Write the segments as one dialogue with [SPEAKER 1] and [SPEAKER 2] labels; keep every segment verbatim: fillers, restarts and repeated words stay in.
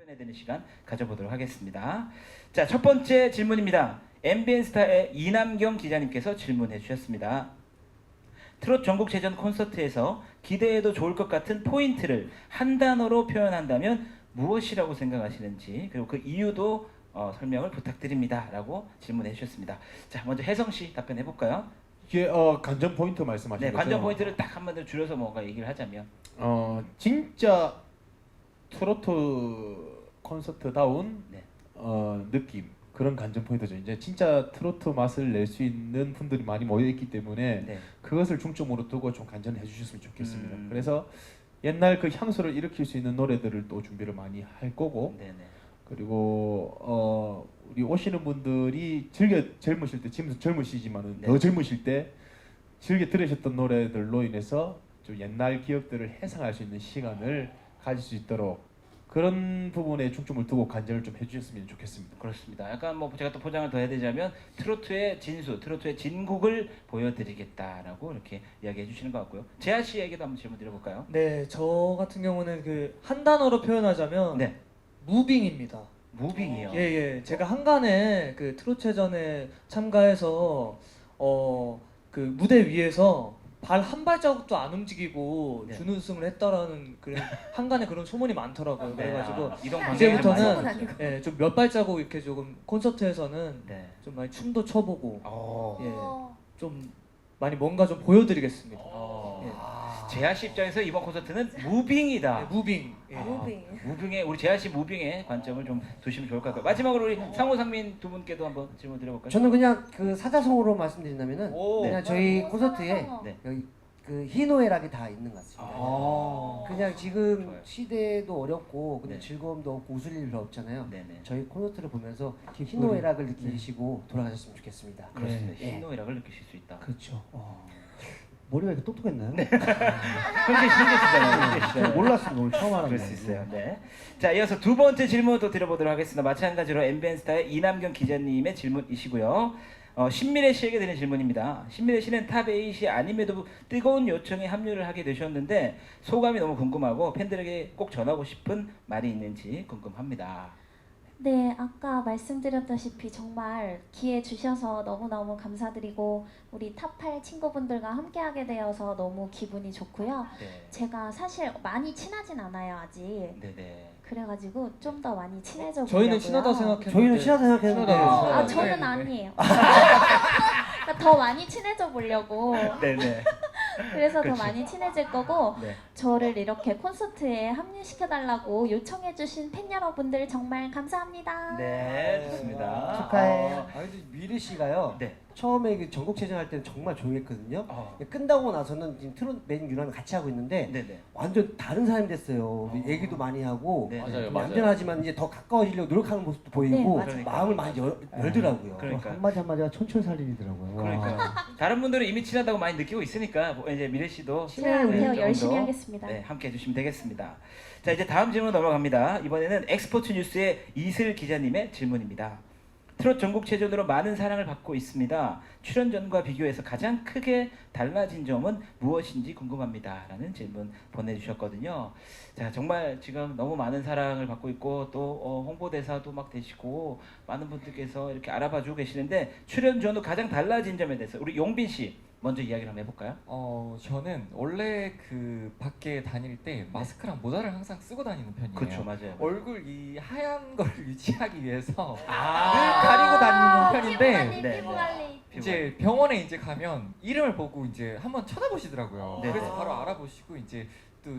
[SPEAKER 1] 해야 되는 시간 가져보도록 하겠습니다. 자, 첫 번째 질문입니다. 엠비엔스타의 이남경 기자님께서 질문해 주셨습니다. 트롯 전국체전 콘서트에서 기대해도 좋을 것 같은 포인트를 한 단어로 표현한다면 무엇이라고 생각하시는지, 그리고 그 이유도 어, 설명을 부탁드립니다 라고 질문해 주셨습니다. 자, 먼저 혜성씨 답변해 볼까요?
[SPEAKER 2] 이게 어, 관전 포인트 말씀하신
[SPEAKER 1] 네,
[SPEAKER 2] 거죠?
[SPEAKER 1] 관전 포인트를 딱 한 번 더 줄여서 뭔가 얘기를 하자면
[SPEAKER 2] 어 진짜 트로트 콘서트다운
[SPEAKER 1] 네.
[SPEAKER 2] 어, 느낌, 그런 관전 포인트죠. 이제 진짜 트로트 맛을 낼 수 있는 분들이 많이 모여 있기 때문에
[SPEAKER 1] 네.
[SPEAKER 2] 그것을 중점으로 두고 좀 관전해 주셨으면 좋겠습니다.
[SPEAKER 1] 음.
[SPEAKER 2] 그래서 옛날 그 향수를 일으킬 수 있는 노래들을 또 준비를 많이 할 거고,
[SPEAKER 1] 네네.
[SPEAKER 2] 그리고 어, 우리 오시는 분들이 즐겨 젊으실 때, 지금 젊으시지만은
[SPEAKER 1] 네.
[SPEAKER 2] 더 젊으실 때 즐겨 들으셨던 노래들로 인해서 좀 옛날 기억들을 회상할 수 있는 시간을 가질 수 있도록 그런 부분에 중점을 두고 관전을 좀 해주셨으면 좋겠습니다.
[SPEAKER 1] 그렇습니다. 약간 뭐 제가 또 포장을 더 해야 되자면 트로트의 진수, 트로트의 진국을 보여드리겠다라고 이렇게 이야기해 주시는 것 같고요. 재하 씨에게도 한번 질문 드려볼까요?
[SPEAKER 3] 네, 저 같은 경우는 그 한 단어로 표현하자면
[SPEAKER 1] 네,
[SPEAKER 3] 무빙입니다.
[SPEAKER 1] 무빙이요.
[SPEAKER 3] 예, 예. 제가 한간에 그 트롯체전에 참가해서 어 그 무대 위에서 발 한 발자국도 안 움직이고
[SPEAKER 1] 네.
[SPEAKER 3] 준우승을 했다라는 그런 한간에 그런 소문이 많더라고요.
[SPEAKER 1] 네,
[SPEAKER 3] 그래가지고
[SPEAKER 1] 아, 이동 방향이
[SPEAKER 3] 이제부터는
[SPEAKER 1] 좀 많이 바뀌었죠.
[SPEAKER 3] 예, 좀 몇 발자국 이렇게 조금 콘서트에서는
[SPEAKER 1] 네.
[SPEAKER 3] 좀 많이 춤도 춰보고
[SPEAKER 1] 어.
[SPEAKER 3] 예, 좀 많이 뭔가 좀 보여드리겠습니다.
[SPEAKER 1] 어.
[SPEAKER 3] 예.
[SPEAKER 1] 재하 씨 입장에서 이번 콘서트는 무빙이다.
[SPEAKER 3] 네, 무빙. 예.
[SPEAKER 1] 아,
[SPEAKER 4] 무빙.
[SPEAKER 1] 무빙에 우리 재하 씨 무빙에 관점을 좀 두시면 좋을 것 같고요. 마지막으로 우리 상호 상민 두 분께도 한번 질문 드려볼까요?
[SPEAKER 5] 저는 그냥 그 사자성어로 말씀드린다면은
[SPEAKER 3] 오.
[SPEAKER 5] 그냥 저희 콘서트에
[SPEAKER 1] 네.
[SPEAKER 5] 여기 그 희노애락이 다 있는 것 같습니다.
[SPEAKER 1] 아.
[SPEAKER 5] 그냥 지금
[SPEAKER 1] 좋아요.
[SPEAKER 5] 시대도 어렵고 근데
[SPEAKER 1] 네.
[SPEAKER 5] 즐거움도 없고 웃을 일 별로 없잖아요.
[SPEAKER 1] 네네.
[SPEAKER 5] 저희 콘서트를 보면서 희노애락을 느끼시고 돌아가셨으면 좋겠습니다.
[SPEAKER 1] 그렇습니다.
[SPEAKER 5] 네.
[SPEAKER 1] 희노애락을 느끼실 수 있다.
[SPEAKER 6] 그렇죠. 어. 머리가 이렇게 똑똑했나요?
[SPEAKER 1] 네. 현재 신기시잖아요.
[SPEAKER 6] 제가 몰랐습니다. 오늘 처음 알았네요.
[SPEAKER 1] 그럴 수 있어요. 네. 자, 이어서 두 번째 질문도 드려보도록 하겠습니다. 마찬가지로 엠비엔스타의 이남경 기자님의 질문이시고요. 어, 신미래 씨에게 드리는 질문입니다. 신미래 씨는 탑에잇이 아님에도 뜨거운 요청에 합류를 하게 되셨는데 소감이 너무 궁금하고 팬들에게 꼭 전하고 싶은 말이 있는지 궁금합니다.
[SPEAKER 4] 네, 아까 말씀드렸다시피 정말 기회 주셔서 너무너무 감사드리고 우리 탑팔 친구분들과 함께하게 되어서 너무 기분이 좋고요.
[SPEAKER 1] 네.
[SPEAKER 4] 제가 사실 많이 친하진 않아요, 아직.
[SPEAKER 1] 네네.
[SPEAKER 4] 그래가지고 좀 더 많이 친해져 보려고요.
[SPEAKER 3] 저희는 친하다 생각했는데
[SPEAKER 5] 저희는 친하다 생각했는데
[SPEAKER 3] 친하다.
[SPEAKER 4] 어, 아,
[SPEAKER 3] 네,
[SPEAKER 4] 저는
[SPEAKER 3] 네.
[SPEAKER 4] 아니에요. 그러니까 더 많이 친해져 보려고.
[SPEAKER 1] 네네.
[SPEAKER 4] 그래서
[SPEAKER 1] 그치.
[SPEAKER 4] 더 많이 친해질 거고
[SPEAKER 1] 네.
[SPEAKER 4] 저를 이렇게 콘서트에 합류시켜달라고 요청해주신 팬 여러분들 정말 감사합니다.
[SPEAKER 1] 네, 좋습니다.
[SPEAKER 5] 축하해.
[SPEAKER 1] 어,
[SPEAKER 5] 아, 근데 미래 씨가요.
[SPEAKER 1] 네.
[SPEAKER 5] 처음에 그 전국체전 할 때는 정말 조용했거든요.
[SPEAKER 1] 어.
[SPEAKER 5] 끝나고 나서는 지금 트롯 맨 유랑 같이 하고 있는데
[SPEAKER 1] 네네.
[SPEAKER 5] 완전 다른 사람이 됐어요. 얘기도 많이 하고
[SPEAKER 1] 네.
[SPEAKER 2] 맞아요,
[SPEAKER 5] 얌전하지만 이제 더 가까워지려고 노력하는 모습도 보이고
[SPEAKER 4] 맞아요.
[SPEAKER 1] 그러니까.
[SPEAKER 5] 마음을 많이 열, 열더라고요.
[SPEAKER 1] 그러니까.
[SPEAKER 6] 한마디 한마디가 촌철살인이더라고요.
[SPEAKER 1] 그러니까 다른 분들은 이미 친하다고 많이 느끼고 있으니까 뭐 이제 미래 씨도
[SPEAKER 4] 친해야
[SPEAKER 1] 네,
[SPEAKER 4] 돼요.
[SPEAKER 1] 조금
[SPEAKER 4] 열심히
[SPEAKER 1] 더,
[SPEAKER 4] 하겠습니다.
[SPEAKER 1] 네, 함께 해주시면 되겠습니다. 자, 이제 다음 질문 넘어갑니다. 이번에는 엑스포츠 뉴스의 이슬 기자님의 질문입니다. 트롯 전국체전으로 많은 사랑을 받고 있습니다. 출연전과 비교해서 가장 크게 달라진 점은 무엇인지 궁금합니다. 라는 질문 보내주셨거든요. 자, 정말 지금 너무 많은 사랑을 받고 있고 또 어, 홍보대사도 막 되시고 많은 분들께서 이렇게 알아봐주고 계시는데 출연전 후 가장 달라진 점에 대해서 우리 용빈 씨 먼저 이야기를 한번 해볼까요?
[SPEAKER 7] 어 저는 원래 그 밖에 다닐 때 마스크랑 모자를 항상 쓰고 다니는 편이에요.
[SPEAKER 1] 그렇죠, 맞아요.
[SPEAKER 7] 얼굴 이 하얀 걸 유지하기 위해서
[SPEAKER 1] 아,
[SPEAKER 7] 늘 가리고 다니는
[SPEAKER 4] 피부
[SPEAKER 7] 편인데
[SPEAKER 4] 관리,
[SPEAKER 1] 네,
[SPEAKER 4] 피부
[SPEAKER 1] 네.
[SPEAKER 4] 관리.
[SPEAKER 7] 이제 병원에 이제 가면 이름을 보고 이제 한번 쳐다보시더라고요.
[SPEAKER 1] 네.
[SPEAKER 7] 그래서 바로 알아보시고 이제 또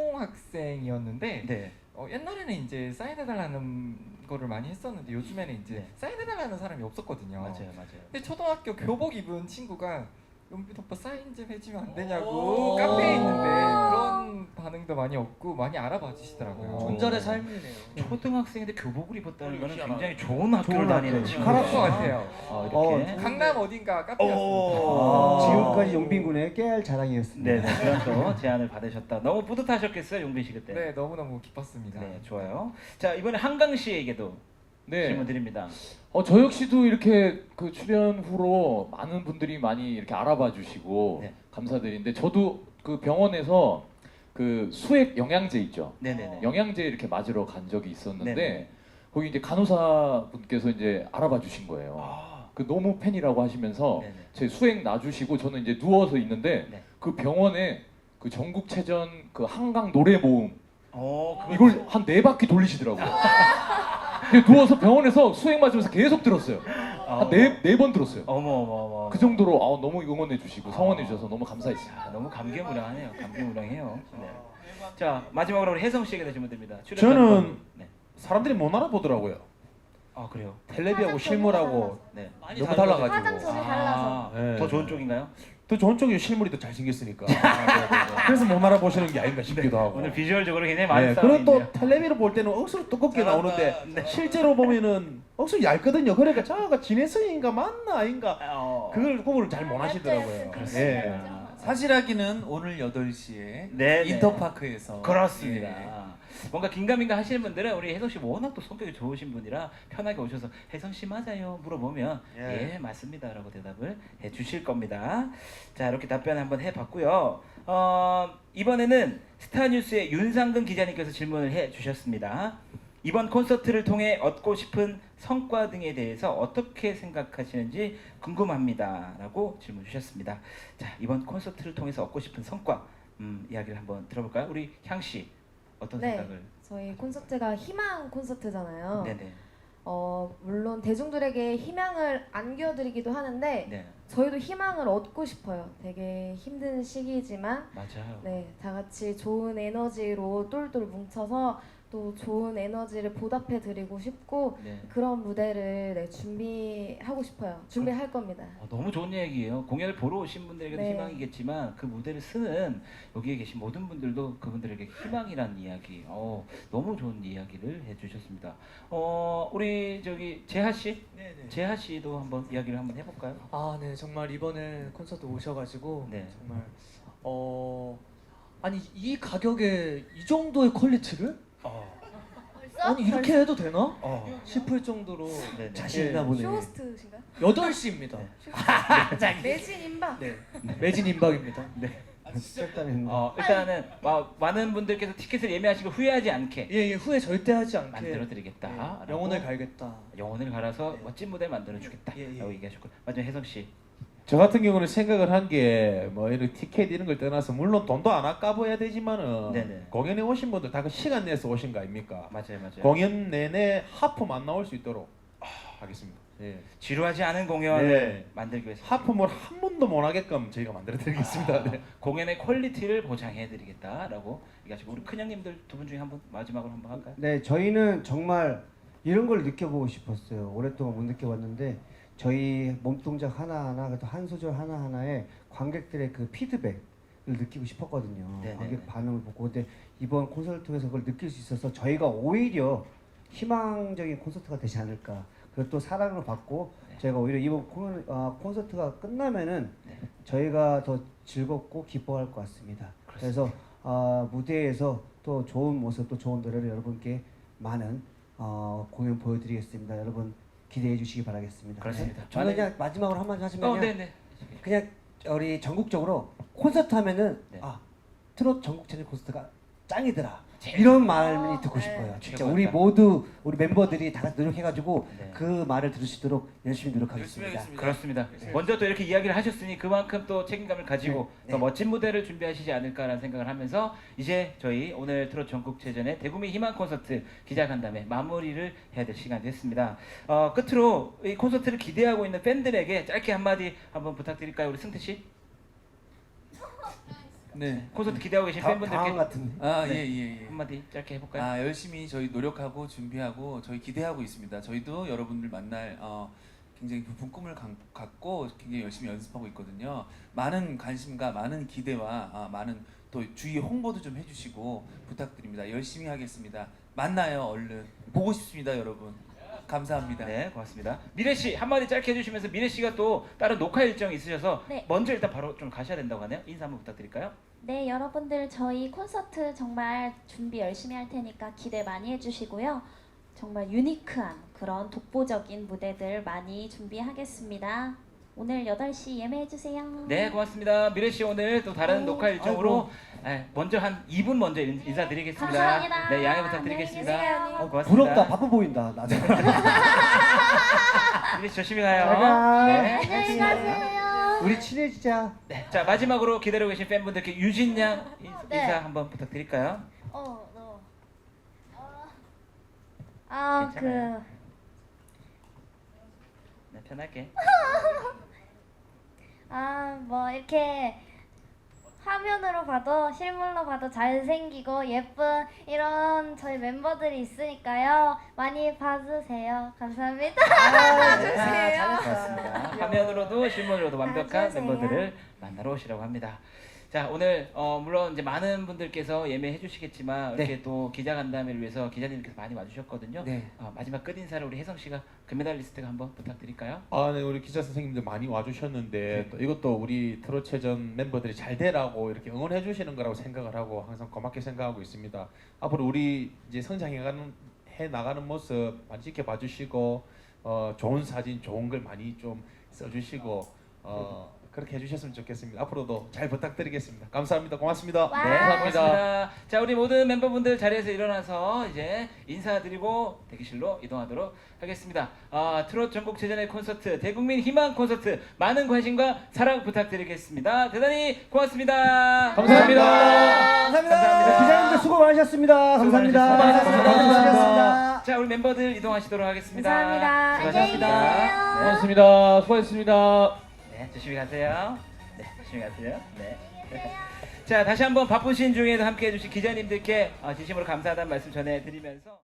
[SPEAKER 7] 초등학생이었는데
[SPEAKER 1] 네.
[SPEAKER 7] 어, 옛날에는 이제 사인해달라는 거를 많이 했었는데 요즘에는 이제
[SPEAKER 1] 네.
[SPEAKER 7] 사인해달라는 사람이 없었거든요.
[SPEAKER 1] 맞아요, 맞아요.
[SPEAKER 7] 근데 초등학교 교복 입은 친구가 용빈 오빠 사인 좀 해주면 안
[SPEAKER 3] 오.
[SPEAKER 7] 되냐고 카페에 있는데 그런 반응도 많이 없고 많이 알아봐 주시더라고요.
[SPEAKER 3] 존잘의 삶이네요.
[SPEAKER 1] 초등학생인데 교복을 입었다는 거는
[SPEAKER 2] 희한하네.
[SPEAKER 1] 굉장히 좋은 학교를
[SPEAKER 6] 좋은
[SPEAKER 1] 다니는
[SPEAKER 6] 학교.
[SPEAKER 1] 친구.
[SPEAKER 7] 그럴 것 같아요.
[SPEAKER 1] 어,
[SPEAKER 6] 어,
[SPEAKER 1] 이렇게.
[SPEAKER 7] 강남 어딘가 카페였습니다.
[SPEAKER 1] 오.
[SPEAKER 6] 지금까지 용빈군의 깨알 자랑이었습니다.
[SPEAKER 1] 네, 네, 그런 또 제안을 받으셨다. 너무 뿌듯하셨겠어요, 용빈 씨 그때.
[SPEAKER 7] 네, 너무너무 기뻤습니다.
[SPEAKER 1] 네, 좋아요. 자, 이번에 한강 씨에게도
[SPEAKER 8] 네.
[SPEAKER 1] 질문 드립니다.
[SPEAKER 8] 어, 저 역시도 이렇게 그 출연 후로 많은 분들이 많이 이렇게 알아봐 주시고
[SPEAKER 1] 네.
[SPEAKER 8] 감사드리는데 저도 그 병원에서 그 수액 영양제 있죠.
[SPEAKER 1] 네네네.
[SPEAKER 8] 영양제 이렇게 맞으러 간 적이 있었는데
[SPEAKER 1] 네네.
[SPEAKER 8] 거기 이제 간호사 분께서 이제 알아봐 주신 거예요.
[SPEAKER 1] 아,
[SPEAKER 8] 그 너무 팬이라고 하시면서
[SPEAKER 1] 네네.
[SPEAKER 8] 제 수액 놔주시고 저는 이제 누워서 있는데
[SPEAKER 1] 네.
[SPEAKER 8] 그 병원에 그 전국체전 그 한강 노래 모음
[SPEAKER 1] 어, 그거
[SPEAKER 8] 이걸 한 네 바퀴 돌리시더라고요. 그냥 누워서 병원에서 수액 맞으면서 계속 들었어요. 한 네 네 번 들었어요.
[SPEAKER 1] 어머 어머 어머.
[SPEAKER 8] 그 정도로 아, 너무 응원해 주시고 성원해 주셔서 너무 감사했습니다.
[SPEAKER 1] 아, 너무 감개무량하네요. 감개무량해요. 네. 자 마지막으로 우리 혜성 씨에게 질문 드립니다. 출연
[SPEAKER 2] 저는
[SPEAKER 1] 방법. 네.
[SPEAKER 2] 사람들이 못 알아보더라고요.
[SPEAKER 1] 아 그래요.
[SPEAKER 2] 텔레비하고 실물하고
[SPEAKER 1] 네.
[SPEAKER 3] 많이
[SPEAKER 2] 너무
[SPEAKER 3] 달라요.
[SPEAKER 2] 달라가지고.
[SPEAKER 4] 화장솜이 달라서.
[SPEAKER 2] 네.
[SPEAKER 1] 더 좋은 쪽인가요?
[SPEAKER 2] 더 좋은 쪽이 실물이 더 잘생겼으니까. 그래서 못 알아보시는 게 아닌가 싶기도 하고.
[SPEAKER 1] 오늘 비주얼적으로 굉장히 많은
[SPEAKER 2] 네,
[SPEAKER 1] 싸움이
[SPEAKER 2] 그리고 또
[SPEAKER 1] 있네요.
[SPEAKER 2] 텔레비로 볼 때는 억수로 두껍게 나오는데
[SPEAKER 1] 네.
[SPEAKER 2] 실제로 보면은 억수로 얇거든요. 그러니까 저가 진해성인가 맞나 아닌가
[SPEAKER 1] 어.
[SPEAKER 2] 그걸 구분을 잘 못 하시더라고요. 예.
[SPEAKER 1] 아,
[SPEAKER 9] 사실하기는 오늘 여덟 시에
[SPEAKER 1] 네, 네.
[SPEAKER 9] 인터파크에서
[SPEAKER 1] 그렇습니다.
[SPEAKER 9] 예.
[SPEAKER 1] 뭔가 긴가민가 하시는 분들은 우리 혜성 씨 워낙 또 성격이 좋으신 분이라 편하게 오셔서 혜성 씨 맞아요 물어보면 예,
[SPEAKER 6] 예.
[SPEAKER 1] 맞습니다라고 대답을 해 주실 겁니다. 자 이렇게 답변 한번 해봤고요. 어, 이번에는 스타뉴스의 윤상근 기자님께서 질문을 해 주셨습니다. 이번 콘서트를 통해 얻고 싶은 성과 등에 대해서 어떻게 생각하시는지 궁금합니다라고 질문 주셨습니다. 자 이번 콘서트를 통해서 얻고 싶은 성과 음, 이야기를 한번 들어볼까요? 우리 향 씨 어떤
[SPEAKER 10] 네.
[SPEAKER 1] 생각을?
[SPEAKER 10] 저희 콘서트가 희망 콘서트잖아요.
[SPEAKER 1] 네네.
[SPEAKER 10] 어, 물론 대중들에게 희망을 안겨드리기도 하는데
[SPEAKER 1] 네
[SPEAKER 10] 저희도 희망을 얻고 싶어요. 되게 힘든 시기지만
[SPEAKER 1] 맞아요.
[SPEAKER 10] 네, 다 같이 좋은 에너지로 똘똘 뭉쳐서 또 좋은 에너지를 보답해 드리고 싶고
[SPEAKER 1] 네.
[SPEAKER 10] 그런 무대를 네, 준비하고 싶어요. 준비할 겁니다.
[SPEAKER 1] 어, 너무 좋은 얘기예요. 공연을 보러 오신 분들에게도
[SPEAKER 10] 네.
[SPEAKER 1] 희망이겠지만 그 무대를 쓰는 여기에 계신 모든 분들도 그분들에게 희망이라는 이야기. 어, 너무 좋은 이야기를 해주셨습니다. 어, 우리 저기 재하 씨,
[SPEAKER 3] 네네.
[SPEAKER 1] 재하 씨도 한번 이야기를 한번 해볼까요?
[SPEAKER 3] 아, 네, 정말 이번에 콘서트 오셔가지고
[SPEAKER 1] 네.
[SPEAKER 3] 정말 어 아니 이 가격에 이 정도의 퀄리티를
[SPEAKER 1] 어,
[SPEAKER 3] 아니 이렇게 해도 되나
[SPEAKER 1] 어,
[SPEAKER 3] 싶을 정도로
[SPEAKER 1] 네네.
[SPEAKER 6] 자신있나 보네.
[SPEAKER 10] 쇼호스트신가요?
[SPEAKER 3] 여덟 시입니다.
[SPEAKER 10] 매진 임박.
[SPEAKER 3] 네, 매진 임박입니다.
[SPEAKER 6] 짧다는
[SPEAKER 1] 어, 일단은 마, 많은 분들께서 티켓을 예매하시고 후회하지 않게
[SPEAKER 3] 예, 예, 후회 절대 하지 않게
[SPEAKER 1] 만들어드리겠다.
[SPEAKER 3] 예, 영혼을 갈겠다.
[SPEAKER 1] 영혼을 갈아서 멋진 무대 만들어주겠다.
[SPEAKER 3] 예, 예.
[SPEAKER 1] 라고 얘기하셨고 마지막 혜성 씨.
[SPEAKER 2] 저 같은 경우는 생각을 한 게 뭐 이런 티켓 이런 걸 떠나서 물론 돈도 안 아까워야 되지만은
[SPEAKER 1] 네네.
[SPEAKER 2] 공연에 오신 분들 다 그 시간 내서 오신 거 아닙니까?
[SPEAKER 1] 맞아요, 맞아요.
[SPEAKER 2] 공연 내내 하품 안 나올 수 있도록 아, 하겠습니다. 예.
[SPEAKER 1] 지루하지 않은 공연을
[SPEAKER 2] 네.
[SPEAKER 1] 만들기 위해서
[SPEAKER 2] 하품을 한 번도 못 하게끔 저희가 만들어 드리겠습니다.
[SPEAKER 1] 아,
[SPEAKER 2] 네.
[SPEAKER 1] 공연의 퀄리티를 보장해드리겠다라고 얘기하시고 우리 큰형님들 두 분 중에 한 분 마지막으로 한번 할까요?
[SPEAKER 6] 네, 저희는 정말 이런 걸 느껴보고 싶었어요. 오랫동안 못 느껴봤는데 저희 몸동작 하나하나, 또 한 소절 하나하나에 관객들의 그 피드백을 느끼고 싶었거든요.
[SPEAKER 1] 네네네.
[SPEAKER 6] 관객 반응을 보고. 근데 이번 콘서트를 통해서 그걸 느낄 수 있어서 저희가 오히려 희망적인 콘서트가 되지 않을까. 그리고 또 사랑을 받고
[SPEAKER 1] 네.
[SPEAKER 6] 저희가 오히려 이번 콘, 어, 콘서트가 끝나면은
[SPEAKER 1] 네.
[SPEAKER 6] 저희가 더 즐겁고 기뻐할 것 같습니다. 그래서 어, 무대에서 또 좋은 모습, 또 좋은 노래를 여러분께 많은 어, 공연 보여드리겠습니다. 여러분 기대해 주시기 바라겠습니다.
[SPEAKER 1] 그렇습니다.
[SPEAKER 6] 네. 저는 그냥 마지막으로 한마디 하시면요.
[SPEAKER 1] 어, 네네.
[SPEAKER 6] 그냥 우리 전국적으로 콘서트 하면은
[SPEAKER 1] 네.
[SPEAKER 6] 아 트롯 전국 체전 콘서트가 짱이더라. 이런 말이 듣고
[SPEAKER 10] 네.
[SPEAKER 6] 싶어요. 진짜
[SPEAKER 1] 최고였다.
[SPEAKER 6] 우리 모두 우리 멤버들이 다 같이 노력해가지고
[SPEAKER 1] 네.
[SPEAKER 6] 그 말을 들을 수 있도록 열심히
[SPEAKER 9] 열심히
[SPEAKER 6] 노력하겠습니다.
[SPEAKER 9] 하겠습니다.
[SPEAKER 1] 그렇습니다. 먼저 또 이렇게 이야기를 하셨으니 그만큼 또 책임감을 가지고
[SPEAKER 6] 네.
[SPEAKER 1] 더
[SPEAKER 6] 네.
[SPEAKER 1] 멋진 무대를 준비하시지 않을까라는 생각을 하면서 이제 저희 오늘 트롯 전국체전의 대구미 희망 콘서트 기자간담회 마무리를 해야 될 시간이 됐습니다. 어, 끝으로 이 콘서트를 기대하고 있는 팬들에게 짧게 한마디 한번 부탁드릴까요, 우리 승태 씨?
[SPEAKER 9] 네.
[SPEAKER 1] 콘서트 기대하고 계신
[SPEAKER 6] 다,
[SPEAKER 1] 팬분들께
[SPEAKER 6] 당황 같은데.
[SPEAKER 9] 아,
[SPEAKER 1] 네.
[SPEAKER 9] 예, 예, 예.
[SPEAKER 1] 한마디 짧게 해볼까요?
[SPEAKER 9] 아, 열심히 저희 노력하고 준비하고 저희 기대하고 있습니다. 저희도 여러분들 만날 어, 굉장히 깊은 꿈을 가- 갖고 굉장히 열심히 연습하고 있거든요. 많은 관심과 많은 기대와 아, 많은 또 주위 홍보도 좀 해주시고 부탁드립니다. 열심히 하겠습니다. 만나요, 얼른. 보고 싶습니다, 여러분. 감사합니다.
[SPEAKER 1] 네, 고맙습니다. 미래 씨 한마디 짧게 해주시면서 미래 씨가 또 다른 녹화 일정이 있으셔서
[SPEAKER 4] 네.
[SPEAKER 1] 먼저 일단 바로 좀 가셔야 된다고 하네요. 인사 한번 부탁드릴까요?
[SPEAKER 4] 네, 여러분들 저희 콘서트 정말 준비 열심히 할 테니까 기대 많이 해주시고요. 정말 유니크한 그런 독보적인 무대들 많이 준비하겠습니다. 오늘 여덟 시 예매해 주세요.
[SPEAKER 1] 네, 고맙습니다. 미래 씨 오늘 또 다른
[SPEAKER 4] 네.
[SPEAKER 1] 녹화 일정으로 네, 먼저 한 이 분 먼저 인- 인사드리겠습니다.
[SPEAKER 4] 감사합니다.
[SPEAKER 1] 네, 양해
[SPEAKER 4] 안녕히
[SPEAKER 1] 부탁드리겠습니다.
[SPEAKER 4] 계세요.
[SPEAKER 1] 어, 고맙습니다.
[SPEAKER 6] 부럽다. 바빠 보인다. 나.
[SPEAKER 1] 미래 씨 조심히 가요.
[SPEAKER 6] 잘 가.
[SPEAKER 1] 네.
[SPEAKER 4] 안녕히 가세요.
[SPEAKER 6] 우리 친해지자.
[SPEAKER 1] 네, 자 마지막으로 기다리고 계신 팬분들께 유진 양 인-
[SPEAKER 10] 네.
[SPEAKER 1] 인사 한번 부탁드릴까요?
[SPEAKER 10] 어, 너. 아,
[SPEAKER 1] 괜찮아요.
[SPEAKER 10] 그
[SPEAKER 1] 네, 편하게.
[SPEAKER 10] 아, 뭐 이렇게 화면으로 봐도 실물로 봐도 잘생기고 예쁜 이런 저희 멤버들이 있으니까요. 많이 봐주세요. 감사합니다.
[SPEAKER 1] 아, 고맙습니다. 화면으로도 실물로도 완벽한
[SPEAKER 10] 봐주세요.
[SPEAKER 1] 멤버들을 만나러 오시라고 합니다. 자 오늘 어, 물론 이제 많은 분들께서 예매해 주시겠지만
[SPEAKER 6] 네.
[SPEAKER 1] 이렇게 또 기자간담회를 위해서 기자님께서 많이 와주셨거든요.
[SPEAKER 6] 네.
[SPEAKER 1] 어, 마지막 끝 인사를 우리 혜성 씨가 금메달리스트가 한번 부탁드릴까요?
[SPEAKER 2] 아, 네, 우리 기자 선생님들 많이 와주셨는데 또 이것도 우리 트롯체전 멤버들이 잘 되라고 이렇게 응원해 주시는 거라고 생각을 하고 항상 고맙게 생각하고 있습니다. 앞으로 우리 이제 성장해가는 해 나가는 모습 많이 지켜봐 주시고 어, 좋은 사진, 좋은 글 많이 좀 써주시고 어, 그렇게 해주셨으면 좋겠습니다. 앞으로도 잘 부탁드리겠습니다. 감사합니다. 고맙습니다.
[SPEAKER 10] 와.
[SPEAKER 1] 네,
[SPEAKER 8] 감사합니다.
[SPEAKER 1] 고맙습니다. 자, 우리 모든 멤버분들 자리에서 일어나서 이제 인사드리고 대기실로 이동하도록 하겠습니다. 아, 트롯 전국체전의 콘서트, 대국민 희망 콘서트 많은 관심과 사랑 부탁드리겠습니다. 대단히 고맙습니다.
[SPEAKER 8] 감사합니다.
[SPEAKER 6] 감사합니다. 네, 기자님들 수고 많으셨습니다.
[SPEAKER 1] 수고
[SPEAKER 6] 감사합니다.
[SPEAKER 1] 많으셨습니다.
[SPEAKER 6] 감사합니다.
[SPEAKER 1] 자, 우리 멤버들 이동하시도록 하겠습니다.
[SPEAKER 10] 감사합니다.
[SPEAKER 1] 수고하셨습니다.
[SPEAKER 10] 안녕히 계세요.
[SPEAKER 8] 고맙습니다. 수고하셨습니다.
[SPEAKER 1] 네, 조심히 가세요. 네, 조심히 가세요. 네. 자, 다시 한번 바쁘신 중에도 함께 해주신 기자님들께 어, 진심으로 감사하다는 말씀 전해드리면서.